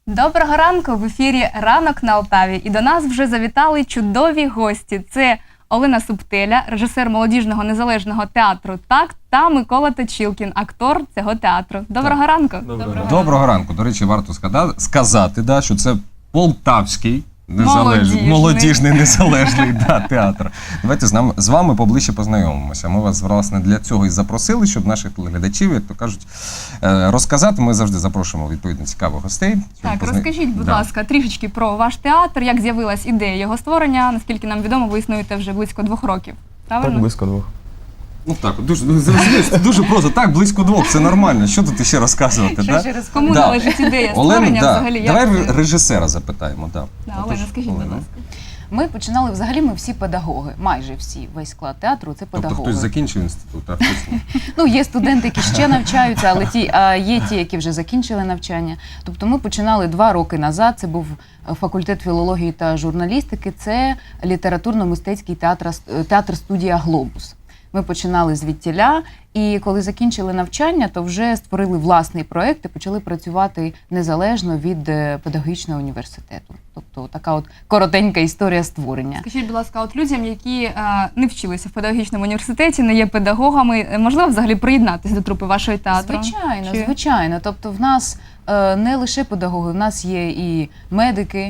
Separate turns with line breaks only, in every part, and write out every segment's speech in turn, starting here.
Доброго ранку! В ефірі «Ранок на Алтаві». І до нас вже завітали чудові гості. Це Олена Субтеля, режисер молодіжного незалежного театру «Такт» та Микола Точилкін, актор цього театру. Доброго ранку!
Доброго ранку. До речі, варто сказати, що це полтавський молодіжний незалежний театр. Давайте з вами поближче познайомимося. Ми вас, власне, для цього і запросили, щоб наших глядачів, як то кажуть, розказати. Ми завжди запрошуємо, відповідно, цікавих гостей.
Так, розкажіть, будь ласка, трішечки про ваш театр, як з'явилась ідея його створення. Наскільки нам відомо, ви існуєте вже близько 2 років. Правильно?
Так, близько 2.
Ну так, дуже просто, так, близько 2, це нормально. Що тут ще розказувати?
Кому належить ідея створення взагалі?
Давай режисера запитаємо.
Олена, скажіть, будь ласка.
Ми починали, взагалі, ми всі педагоги, майже всі, весь склад театру – це педагоги.
Тобто хтось закінчив інститут артистів?
Ну, є студенти, які ще навчаються, але є ті, які вже закінчили навчання. Тобто ми починали 2 роки назад, це був факультет філології та журналістики, це літературно-мистецький театр-студія «Глобус». Ми починали звідтіля, і коли закінчили навчання, то вже створили власний проєкт і почали працювати незалежно від педагогічного університету. Тобто така от коротенька історія створення.
Скажіть, будь ласка, от людям, які не вчилися в педагогічному університеті, не є педагогами, можливо взагалі приєднатися до трупи вашої театру?
Звичайно. Тобто в нас не лише педагоги, в нас є і медики,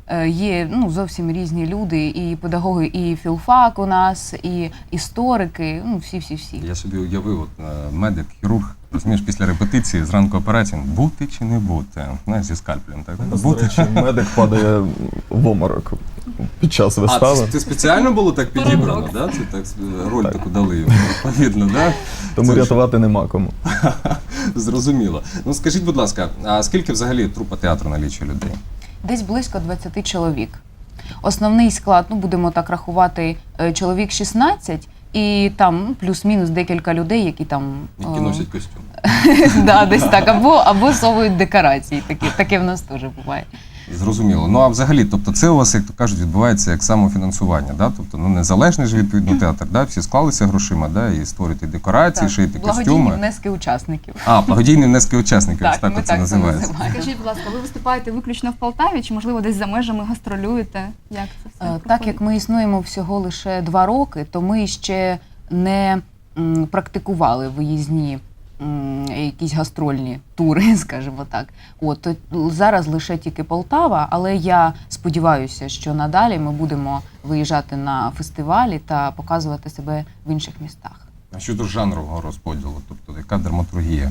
є зовсім різні люди, і педагоги, і філфак у нас, і історики, всі.
Я собі уявив, медик, хірург, розумієш, після репетиції, зранку операції, бути чи не бути, знаєш, зі скальпелем, так?
До речі, медик падає в оморок під час вистави.
А, це спеціально було так підібрано, да? Це так, роль таку дали йому, відповідно, да?
Тому рятувати нема кому.
Зрозуміло. Ну, скажіть, будь ласка, а скільки взагалі трупа театру налічує людей?
Десь близько 20 чоловік. Основний склад, будемо так рахувати, чоловік 16, і там плюс-мінус декілька людей, які там...
Які носять костюм.
Так, десь так, або совують декорації, таке в нас теж буває.
Зрозуміло. Ну, а взагалі, тобто це у вас, як то кажуть, відбувається як самофінансування, да? Тобто, незалежний ж, відповідно, театр, да? Всі склалися грошима, да? І створюєте декорації, шиєте костюми.
Благодійні внески учасників.
Благодійні внески учасників, ось так це називається.
Скажіть, будь ласка, ви виступаєте виключно в Полтаві, чи, можливо, десь за межами гастролюєте? Як це все проходить?
Так як ми існуємо всього лише 2 роки, то ми ще не практикували виїзні якісь гастрольні тури, скажімо так. То зараз лише тільки Полтава, але я сподіваюся, що надалі ми будемо виїжджати на фестивалі та показувати себе в інших містах.
А щодо жанрового розподілу, тобто яка драматургія?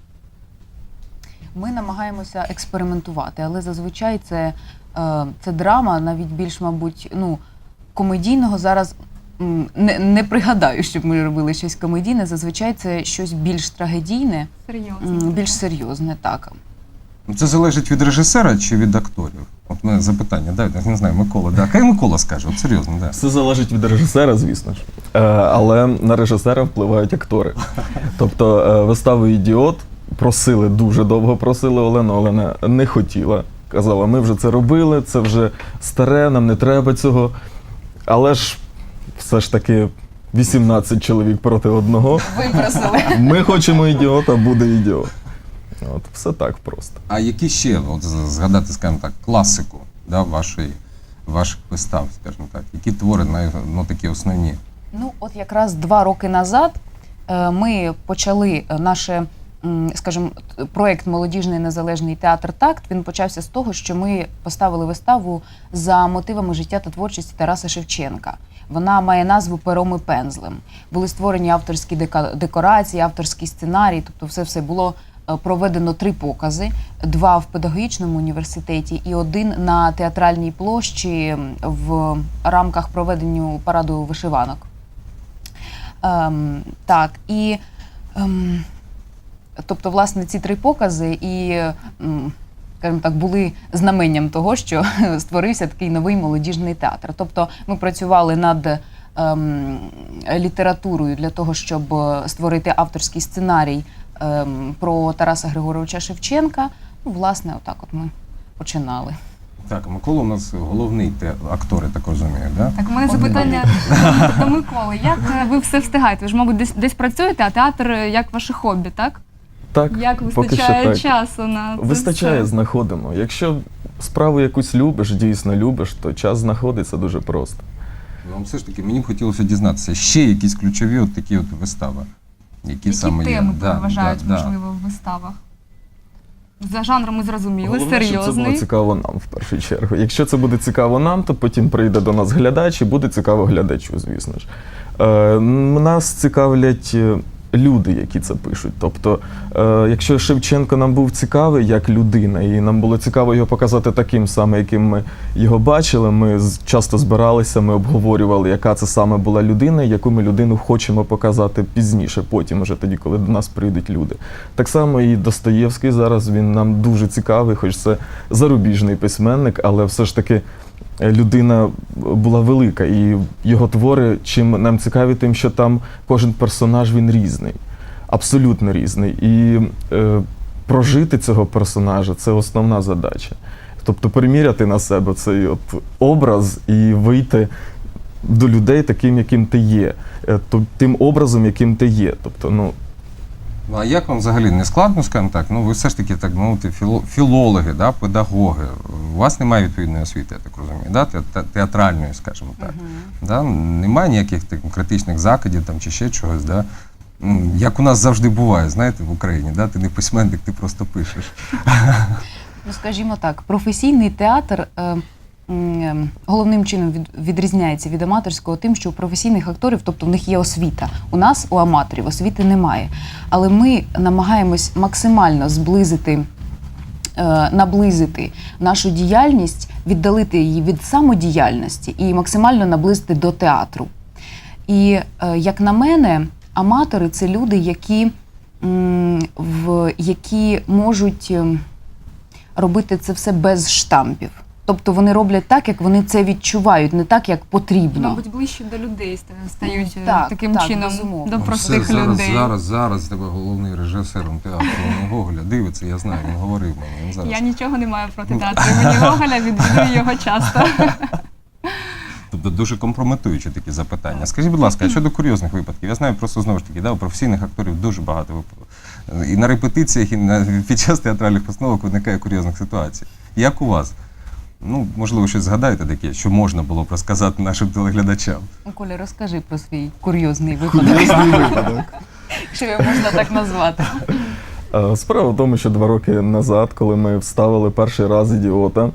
Ми намагаємося експериментувати, але зазвичай це драма, навіть більш, мабуть, комедійного зараз не пригадаю, щоб ми робили щось комедійне. Зазвичай це щось більш трагедійне, більш серйозне, так.
Це залежить від режисера чи від акторів? От мене запитання, я не знаю, Микола, да? Хай Микола скаже, от серйозно, да.
Все залежить від режисера, звісно ж. Але на режисера впливають актори. Тобто виставу «Ідіот» дуже довго просили Олену, Олена не хотіла. Казала, ми вже це робили, це вже старе, нам не треба цього. Але ж все ж таки 18 чоловік проти одного.
Випросили.
Ми хочемо «Ідіота», буде «Ідіот». От, все так просто.
А які ще, згадати, скажімо так, класику, да, ваших вистав, скажімо так, які твори, такі основні?
От якраз 2 роки назад ми почали проєкт «Молодіжний незалежний театр «Такт». Він почався з того, що ми поставили виставу за мотивами життя та творчості Тараса Шевченка. Вона має назву «Пером і пензлем». Були створені авторські декорації, авторський сценарій, тобто все було проведено 3 покази, 2 в педагогічному університеті і 1 на театральній площі в рамках проведення параду вишиванок. Тобто, власне, ці 3 покази скажімо так, були знаменням того, що створився такий новий молодіжний театр. Тобто ми працювали над літературою для того, щоб створити авторський сценарій про Тараса Григоровича Шевченка. Власне, отак от ми починали.
Так, Микола у нас головний актор, я так розумію, да?
Так, у мене запитання до Миколи. Як ви все встигаєте? Ви ж, мабуть, десь працюєте, а театр як ваше хобі, так?
Так,
Як
поки що
вистачає
так.
часу на це
Вистачає,
все?
знаходимо. Якщо справу якусь любиш, дійсно любиш, то час знаходиться дуже просто.
Вам все ж таки мені б хотілося дізнатися ще якісь ключові от такі от вистави. Які саме
теми
є.
переважають,
да.
можливо, в виставах? За жанром ми зрозуміли,
Головне, щоб це було
серйозний.
цікаво нам в першу чергу. Якщо це буде цікаво нам, то потім прийде до нас глядач і буде цікаво глядачу, звісно ж. Нас цікавлять люди, які це пишуть. Тобто, якщо Шевченко нам був цікавий як людина, і нам було цікаво його показати таким саме, яким ми його бачили, ми часто збиралися, ми обговорювали, яка це саме була людина, і яку ми людину хочемо показати пізніше, потім, уже тоді, коли до нас прийдуть люди. Так само і Достоєвський зараз, він нам дуже цікавий, хоч це зарубіжний письменник, але все ж таки людина була велика, і його твори, чим нам цікаві, тим, що там кожен персонаж, він різний, абсолютно різний. І прожити цього персонажа – це основна задача. Тобто приміряти на себе цей от образ і вийти до людей таким, яким ти є, тим образом, яким ти є. Тобто,
Ну, а як вам взагалі не складно, скажімо так? Ну, ви все ж таки так мовити філологи, да, педагоги. У вас немає відповідної освіти, я так розумію, да? Театральної, скажімо так. Да? Немає ніяких критичних закидів там, чи ще чогось. Да? Як у нас завжди буває, знаєте, в Україні, да? Ти не письменник, ти просто пишеш.
Ну, скажімо так, професійний театр головним чином відрізняється від аматорського тим, що у професійних акторів, тобто в них є освіта. У нас, у аматорів, освіти немає. Але ми намагаємось максимально наблизити нашу діяльність, віддалити її від самодіяльності і максимально наблизити до театру. І, як на мене, аматори – це люди, які можуть робити це все без штампів. Тобто вони роблять так, як вони це відчувають, не так, як потрібно.
Мабуть, ближче до людей стають
Так,
таким
так,
чином,
безумовно.
до
Ну,
простих
все,
людей.
Зараз тебе головний режисером театру Гоголя дивиться, я знаю, він говорив мені. Він зараз.
Я нічого не маю проти театру імені Гоголя, відвідую його часто.
Тобто дуже компрометуючі такі запитання. Скажіть, будь ласка, а щодо курйозних випадків? Я знаю просто знову ж таки, да, у професійних акторів дуже багато випадків. І на репетиціях, і під час театральних постановок виникає курйозних ситуацій. Як у вас? Ну, можливо, щось згадаєте таке, що можна було б розказати нашим телеглядачам?
Коля, розкажи про свій курйозний випадок. Якщо його можна так назвати.
справа в тому, що 2 роки назад, коли ми вставили перший раз «Ідіота»,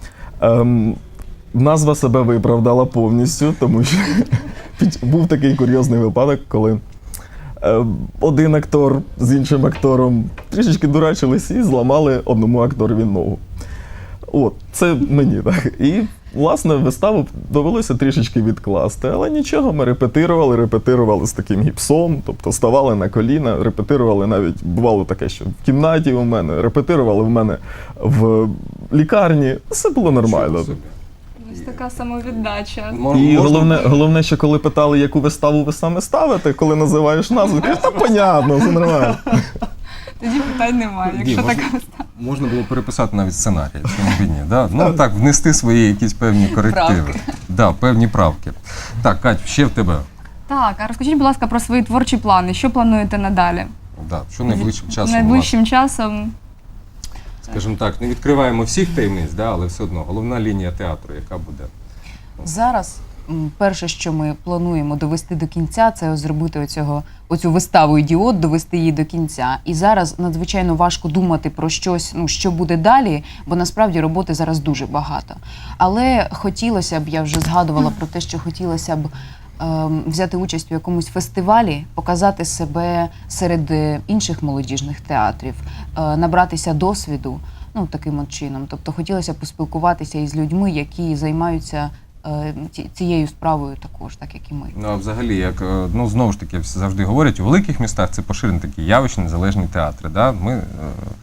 назва себе виправдала повністю, тому що був такий курйозний випадок, коли один актор з іншим актором трішечки дурачились і зламали одному акторові ногу. От, це мені так. І, власне, виставу довелося трішечки відкласти, але нічого, ми репетирували з таким гіпсом, тобто ставали на коліна, репетирували навіть, бувало таке, що в кімнаті у мене, репетирували в мене в лікарні, все було нормально.
Ось така самовіддача.
І головне, що коли питали, яку виставу ви саме ставите, коли називаєш назву, кажуть, та понятно, все нормально.
Тоді питань немає, якщо така
Можна було переписати навіть сценарій, чому б і ні. Да? Ну так, внести свої якісь певні корективи.
Правки.
Да, певні правки. Так, Кать, ще в тебе.
Так, а розкажіть, будь ласка, про свої творчі плани. Що плануєте надалі?
Да, що найближчим часом у вас?
Найближчим часом.
Скажімо так, не відкриваємо всіх таємниць, да, але все одно головна лінія театру, яка буде?
Зараз перше, що ми плануємо довести до кінця, це зробити оцю виставу «Ідіот», довести її до кінця. І зараз надзвичайно важко думати про щось, що буде далі, бо насправді роботи зараз дуже багато. Але хотілося б, я вже згадувала про те, що хотілося б взяти участь у якомусь фестивалі, показати себе серед інших молодіжних театрів, набратися досвіду, таким от чином. Тобто хотілося б поспілкуватися із людьми, які займаються цією справою також, так як і ми.
Ну, а взагалі, як, знову ж таки, завжди говорять, у великих містах це поширені такі явищні незалежні театри. Да? Ми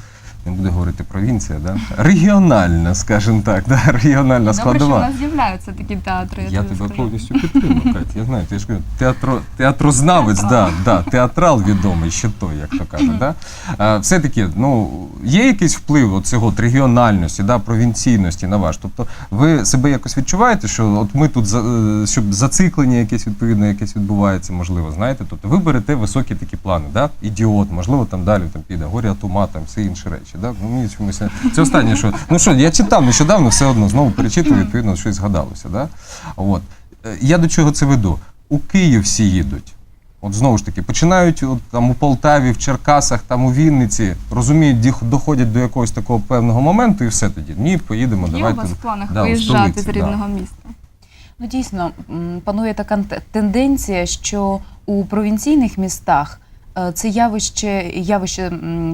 не буду говорити провінція, да? Регіональна, скажімо так, да? Регіональна
Добре, що в
складова.
нас з'являються такі театри.
Я
тобі
тебе
скажу.
повністю підтримую, Катя. Я знаю, ти ж кажу, театрознавець, театрал відомий, ще той, як то кажуть. Да? Все-таки, є якийсь вплив цього регіональності, провінційності на ваш? Тобто ви себе якось відчуваєте, що от ми тут, щоб зациклення якесь відповідно, якесь відбувається, можливо, знаєте? Тобто ви берете високі такі плани, да? Ідіот, можливо, там далі піде, горі от ума, там всі інші речі. Да? Мені чомусь це останнє, що я читав нещодавно, все одно знову перечитую, відповідно, щось згадалося. Да? От. Я до чого це веду? У Київ всі їдуть. От знову ж таки, починають там у Полтаві, в Черкасах, там у Вінниці, розуміють, доходять до якогось такого певного моменту і все тоді. Ні, поїдемо,
Є
давайте.
у вас в планах
у
виїжджати
столиці,
з рідного міста?
Ну, дійсно, панує така тенденція, що у провінційних містах це явище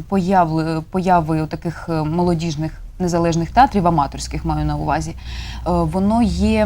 появи таких молодіжних незалежних театрів, аматорських маю на увазі, воно є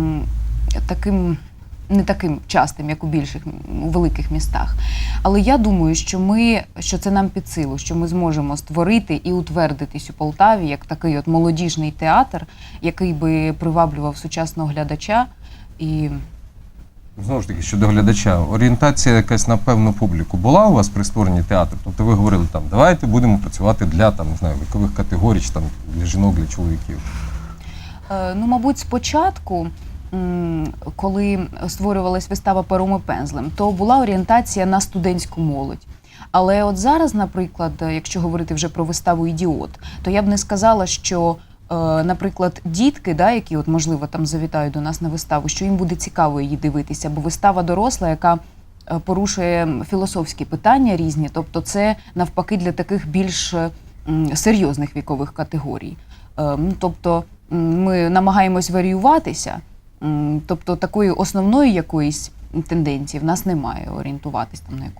таким, не таким частим, як у великих містах. Але я думаю, що це нам під силу, що ми зможемо створити і утвердитись у Полтаві як такий от молодіжний театр, який би приваблював сучасного глядача. І
Знову ж таки, щодо глядача, орієнтація якась на певну публіку була у вас при створенні театру? Тобто ви говорили, там, давайте будемо працювати для вікових категорій, чи, для жінок, для чоловіків?
Мабуть, спочатку, коли створювалась вистава «Пером і пензлем», то була орієнтація на студентську молодь. Але от зараз, наприклад, якщо говорити вже про виставу «Ідіот», то я б не сказала, що, наприклад, дітки, які можливо там завітають до нас на виставу, що їм буде цікаво її дивитися, бо вистава доросла, яка порушує філософські питання різні, тобто це навпаки для таких більш серйозних вікових категорій. Тобто ми намагаємось варіюватися, тобто такої основної якоїсь тенденції в нас немає орієнтуватись там на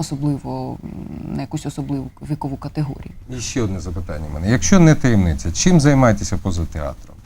якусь особливу вікову категорію.
І ще одне запитання в мене. Якщо не таємниця, чим займаєтеся поза театром?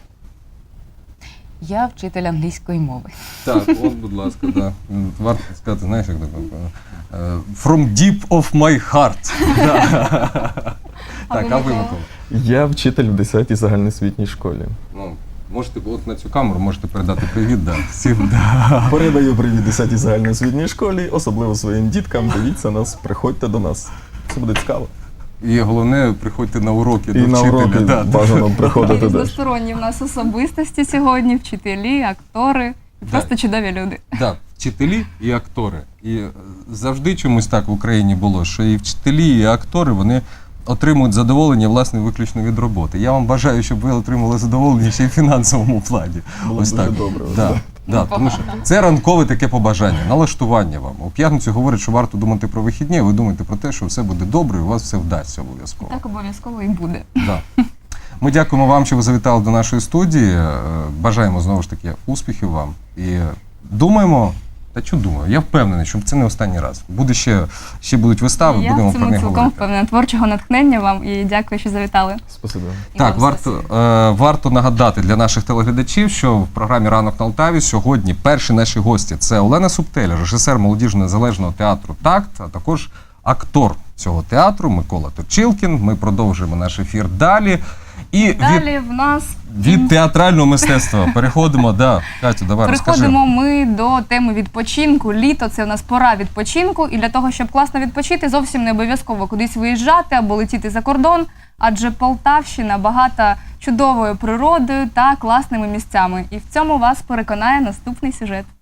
Я вчитель англійської мови.
Так, от, будь ласка, да. Варто сказати, знаєш, як таке? From deep of my heart. Так, а ви, Микола?
Я вчитель в 10-й загальноосвітній школі.
Можете на цю камеру можете передати привіт, всім.
Передаю привіт 10-й загальноосвітній школі, особливо своїм діткам. Дивіться нас, приходьте до нас. Це буде цікаво.
І головне, приходьте на уроки до
І на
вчителя.
уроки бажано приходити теж.
Різносторонні в нас особистості сьогодні, вчителі, актори і просто чудові люди.
Так, вчителі і актори. І завжди чомусь так в Україні було, що і вчителі, і актори, вони отримують задоволення, власне, виключно від роботи. Я вам бажаю, щоб ви отримали задоволення ще й в фінансовому плані.
Було дуже добре.
Тому що це ранкове таке побажання, налаштування вам. У п'ятницю говорять, що варто думати про вихідні, а ви думаєте про те, що все буде добре і у вас все вдасться обов'язково.
Так обов'язково і буде.
Да. Ми дякуємо вам, що ви завітали до нашої студії. Бажаємо, знову ж таки, успіхів вам. І думаємо, я впевнений, що це не останній раз. Буде ще будуть вистави, будемо
Я в
про
цьому
них
цілком
говорити.
впевнена. Творчого натхнення вам і дякую, що завітали.
Спасибо.
Так,
І вам
варто нагадати для наших телеглядачів, що в програмі «Ранок на Алтаві» сьогодні перші наші гості – це Олена Субтеля, режисер молодіжного незалежного театру «Такт», а також актор цього театру Микола Точилкін. Ми продовжуємо наш ефір далі. І
Далі в нас
від театрального мистецтва переходимо, Катю, давай розкажи.
переходимо ми до теми відпочинку. Літо – це в нас пора відпочинку. І для того, щоб класно відпочити, зовсім не обов'язково кудись виїжджати або летіти за кордон. Адже Полтавщина багата чудовою природою та класними місцями. І в цьому вас переконає наступний сюжет.